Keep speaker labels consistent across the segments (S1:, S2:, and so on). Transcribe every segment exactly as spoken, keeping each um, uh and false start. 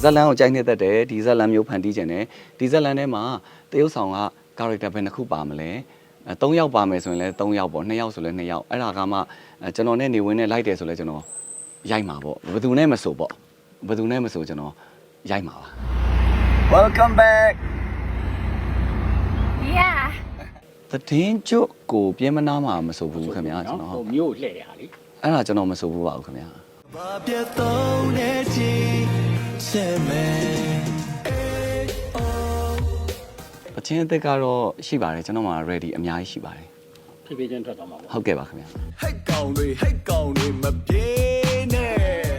S1: ဇက်လန်ကိုကြိုက်နေတဲ့တဲ့ဒီဇက်လန်မျိုးဖန်တီးခြင်းနဲ့ဒီဇက်လန်ထဲမှာတရုတ်ဆောင်က character ဘယ်နှခုပါမလဲအဲ၃ယောက်ပါမယ်ဆိုရင်လည်း၃ယောက်ပေါ့၂ယောက်ဆိုလည်း၂ယောက်အဲ့ဒါကမှကျွန်တော်နဲ့နေဝင်နဲ့လိုက်တယ်ဆိုလည်းကျွန်တော်ရိုက်မှာပေါ့ဘယ်သူနဲ့မဆိုပေါ့ဘယ်သူနဲ့မဆိုကျွန်တော်ရိုက်မှာပါ Welcome back
S2: Yeah
S1: သတင်းကျုပ်ကိုပြင်းမနာမှာမဆိုဘူးခင်ဗျာကျွန်တော်ဟုတ်
S3: မျိုးလှည့်တယ်ဟာလေ
S1: အဲ့ဒါကျွန်တော်မဆိုဘူးပါဘူးခင်ဗျာဘာပြတ်သုံးနေချီဆက်မယ်အချင်းအသက်ကတော့ရှိပါတယ်ကျွန်တော်မှာ ready အများကြီးရှိပါတယ်
S3: ဖြည်းဖြည်းချင်းထွက်သွားမှာပေါ့
S1: ဟုတ်ကဲ့ပါခင်ဗျာ
S4: ဟိတ်ကောင်တွေဟိတ်ကောင်တွေမပြေးနဲ့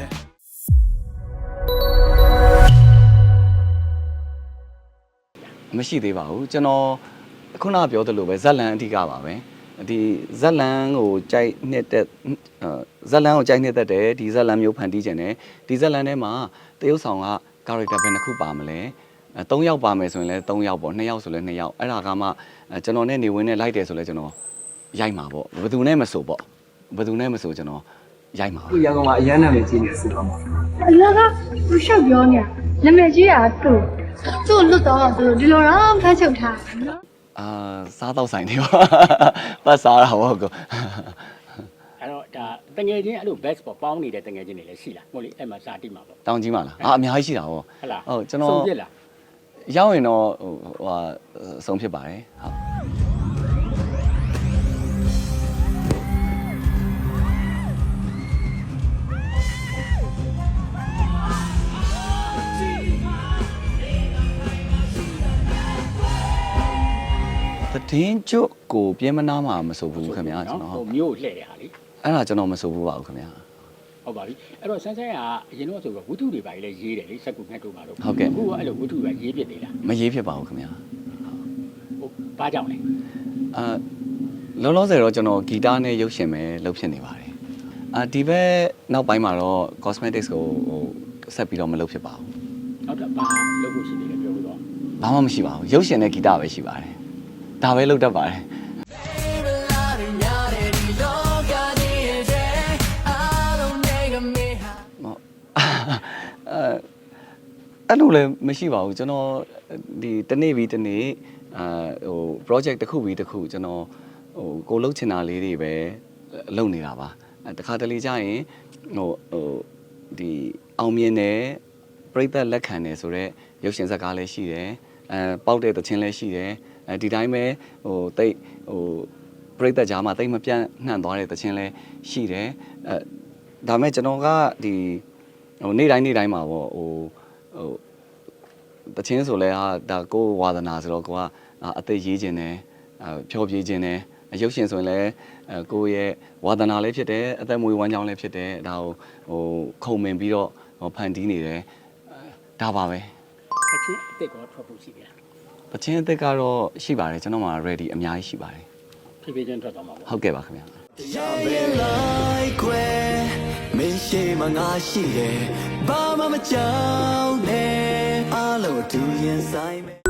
S1: မရှိသေးပါဘူးကျွန်တော်ခုနကပြောသလိုပဲဇက်လန်အဓိကပါပဲဒီဇက်လန်ကိုကြိုက်နေတဲ့ဇက်လန်ကိုကြိုက်နေတဲ့တဲ့ဒီဇက်လန်မျိုးဖန်တီးခြင်းနဲ့ဒီဇက်လန်ထဲမှာတရုတ်ဆောင်က character ဘယ်နှခုပါမလဲအဲ၃ယောက်ပါမယ်ဆိုရင်လည်း၃ယောက်ပေါ့၂ယောက်ဆိုလည်း၂ယောက်အဲ့ဒါကမှကျွန်တော်နဲ့နေဝင်နဲ့လိုက်တယ်ဆိုလည်းကျွန်တော်ရိုက်မှာပေါ့ဘယ်သူနဲ့မဆိုပေါ့ဘယ်သူနဲ့မဆိုကျွန်တော်ရိုက်မှာ
S5: ဒီရန်ကုန်မှာအရန်နာမည်ကြီးနေစီပါမှာ
S2: အလားကသူရှောက်ပြောနေတာနာမည်ကြီးတာသူ့သူ့လွတ်တော့ဆိုဒီလိုတော့ဖမ်းချုပ်ထားနော်
S1: အာစားတော့ဆိုင်နေပါပတ်စားတာဟုတ်ကော
S3: အဲ့တော့ဒါတငယ်ချင်းအဲ့လို best ပေါ့ပေါင်းနေတဲ့တငယ်ချင်းတွေလည်းရှိလားဟုတ်လေအဲ့မှာစာတိမှာပေါ့
S1: တောင်းကြီးမှာလားအာအများကြီးရှိတာဟော
S3: ဟုတ်လား
S1: ဟုတ်ကျွန်တော်
S3: ဆုံးဖြစ်လား
S1: ရောက်ရင်တော့ဟိုဟာဆုံးဖြစ်ပါတယ်ဟုတ်သတင်းကျုပ်ကိုပြင်းမနာမှာမဆိုဘူးခင်ဗျာကျွန်တော်
S3: ဟုတ်မျိုးလှည့်တယ်ဟာလေ
S1: အဲ့ဒါကျွန်တော်မဆိုဘူးပါဘူးခင်ဗျာ
S3: ဟုတ်ပါပြီအဲ့တော့ဆန်းဆန်းကအရင်တော့ဆိုတော့ဝတ္ထုတွေပါလေရေးတယ်လေစက်ကူငှက်တို့ပါလို့
S1: ဟုတ်ကဲ့
S3: အခုကအဲ့လိုဝတ္ထုကရေးဖြစ်နေလား
S1: မရေးဖြစ်ပါဘူးခင်ဗျာ
S3: ဟုတ်ဘာကြောင့်လဲ
S1: အာလောလောဆယ်တော့ကျွန်တော်ဂီတနဲ့ရုပ်ရှင်ပဲလုပ်ဖြစ်နေပါတယ်အာဒီဘက်နောက်ပိုင်းမှာတော့ cosmetics ကိုဟိုဆက်ပြီးတော့မလုပ်ဖြစ်ပါဘူး
S3: ဟုတ်တယ်ဘာလုပ်ဖို့ရှိနေလဲပြောလို့တော့
S1: ဘာမှမရှိပါဘူးရုပ်ရှင်နဲ့ဂီတပဲရှိပါတယ်ဒါပဲလုပ်တတ်ပါတယ်အဲ့လိုလည်းမရှိပါဘူးကျွန်တော်ဒီတနေ့ပြီးတနေ့အာဟို project တစ်ခုပြီးတစ်ခုကျွန်တော်ဟိုကိုလှုပ်ချင်တာလေးတွေပဲလုပ်နေတာပါတခါတလေကြာရင်ဟိုဟိုဒီအောင်မြင်တယ်ပြိဿလက်ခံတယ်ဆိုတော့ရုပ်ရှင်ဇာတ်ကားလည်းရှိတယ်အဲပေါက်တဲ့သချင်းလည်းရှိတယ်အဲဒီတိုင်းပဲဟိုတိတ်ဟိုပြိဿကြားမှာတိတ်မပြန့်နှံ့သွားတဲ့သချင်းလည်းရှိတယ်အဲဒါမဲ့ကျွန်တော်ကဒီဟိုနေ့တိုင်းနေ့တိုင်းမှာပေါ့ဟိုဟိုတချင်းဆိုလဲဟာဒါကိုဝါသနာဆိုတော့ကိုကအသက်ရေးခြင်းနဲ့အဖြောပြေးခြင်းနဲ့ရုပ်ရှင်ဆိုရင်လည်းကိုရဲ့ဝါသနာလည်းဖြစ်တယ်အသက်မွေးဝမ်းကြောင်းလည်းဖြစ်တယ်ဒါကိုဟိုခုံမင်ပြီးတော့ဖန်တီးနေတယ်ဒါပါပဲ
S3: တချင်းအစ်စ်ကောထွက်ဖို့ရှိတယ်
S1: တချင်းအစ်စ်ကတော့ရှိပါတယ်ကျွန်တော်မှာ ready အများကြီးရှိပါတယ်
S3: ဖြည်းဖြည်းချင်းထွက်သွားမှာပေါ့
S1: ဟုတ်ကဲ့ပါခင်ဗျာ
S4: တရားရင်းလိုက်ခွဲမင်းရှိမငါရှိတယ်ဘာမှမကြောက်နဲ့အားလုံးသူရင်ဆိုင်